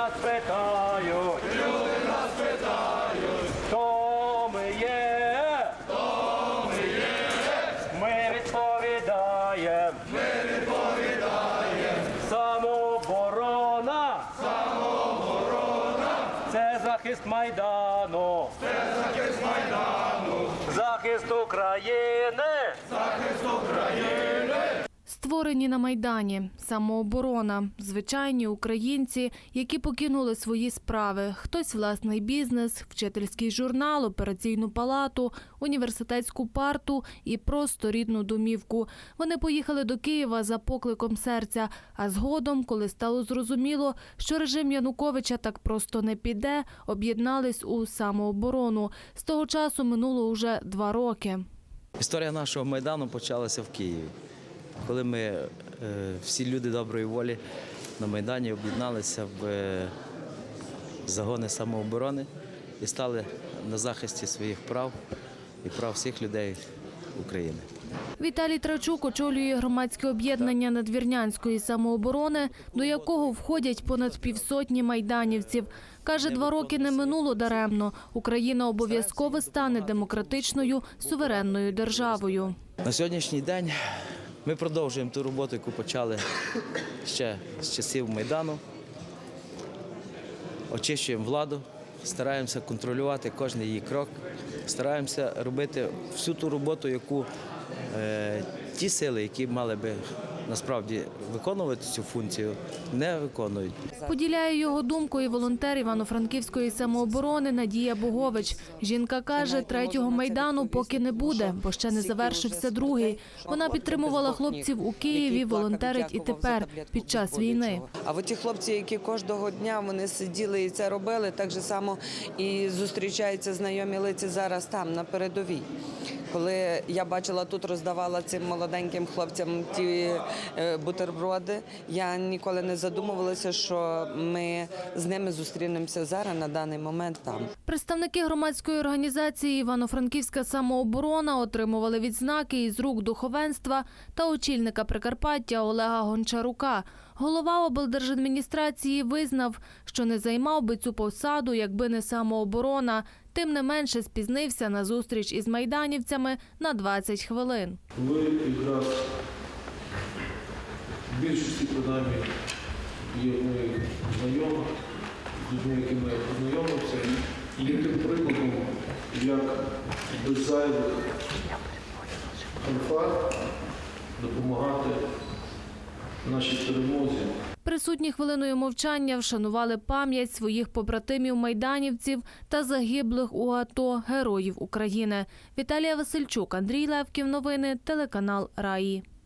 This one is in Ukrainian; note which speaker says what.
Speaker 1: нас питають, хто ми є, ми відповідаємо, самооборона, це захист Майдану, захист України.
Speaker 2: Створені на Майдані, самооборона, звичайні українці, які покинули свої справи. Хтось власний бізнес, вчительський журнал, операційну палату, університетську парту і просто рідну домівку. Вони поїхали до Києва за покликом серця, а згодом, коли стало зрозуміло, що режим Януковича так просто не піде, об'єднались у самооборону. З того часу минуло уже 2 роки.
Speaker 3: Історія нашого Майдану почалася в Києві, коли ми, всі люди доброї волі на Майдані об'єдналися в загони самооборони і стали на захисті своїх прав і прав всіх людей України.
Speaker 2: Віталій Трачук очолює громадське об'єднання надвірнянської самооборони, до якого входять понад півсотні майданівців. Каже, 2 роки не минуло даремно. Україна обов'язково стане демократичною, суверенною державою.
Speaker 3: На сьогоднішній день ми продовжуємо ту роботу, яку почали ще з часів Майдану. Очищуємо владу, стараємося контролювати кожен її крок, стараємося робити всю ту роботу, яку ті сили, які мали би насправді виконувати цю функцію, не виконують.
Speaker 2: Поділяє його думку і волонтер Івано-Франківської самооборони Надія Богович. Жінка каже, 3-го Майдану поки не буде, бо ще не завершився 2-й. Вона підтримувала хлопців у Києві, волонтерить і тепер, під час війни.
Speaker 4: А от ті хлопці, які кожного дня вони сиділи і це робили, так же само і зустрічаються знайомі лиці зараз там, на передовій. Коли я бачила тут, роздавала цим молоденьким хлопцям ті бутерброди, я ніколи не задумувалася, що ми з ними зустрінемося зараз, на даний момент там.
Speaker 2: Представники громадської організації «Івано-Франківська самооборона» отримували відзнаки із рук духовенства та очільника Прикарпаття Олега Гончарука. Голова облдержадміністрації визнав, що не займав би цю посаду, якби не самооборона. Тим не менше спізнився на зустріч із майданівцями на 20 хвилин.
Speaker 5: Ви якраз в більшості принаймні є моїх знайомих, з людьми, якими я познайомився, і є тим прикладом, як без зайвих фанфар допомагати нашій перемозі.
Speaker 2: Присутні хвилиною мовчання вшанували пам'ять своїх побратимів-майданівців та загиблих у АТО героїв України. Віталія Васильчук, Андрій Левків. Новини, телеканал «Раї».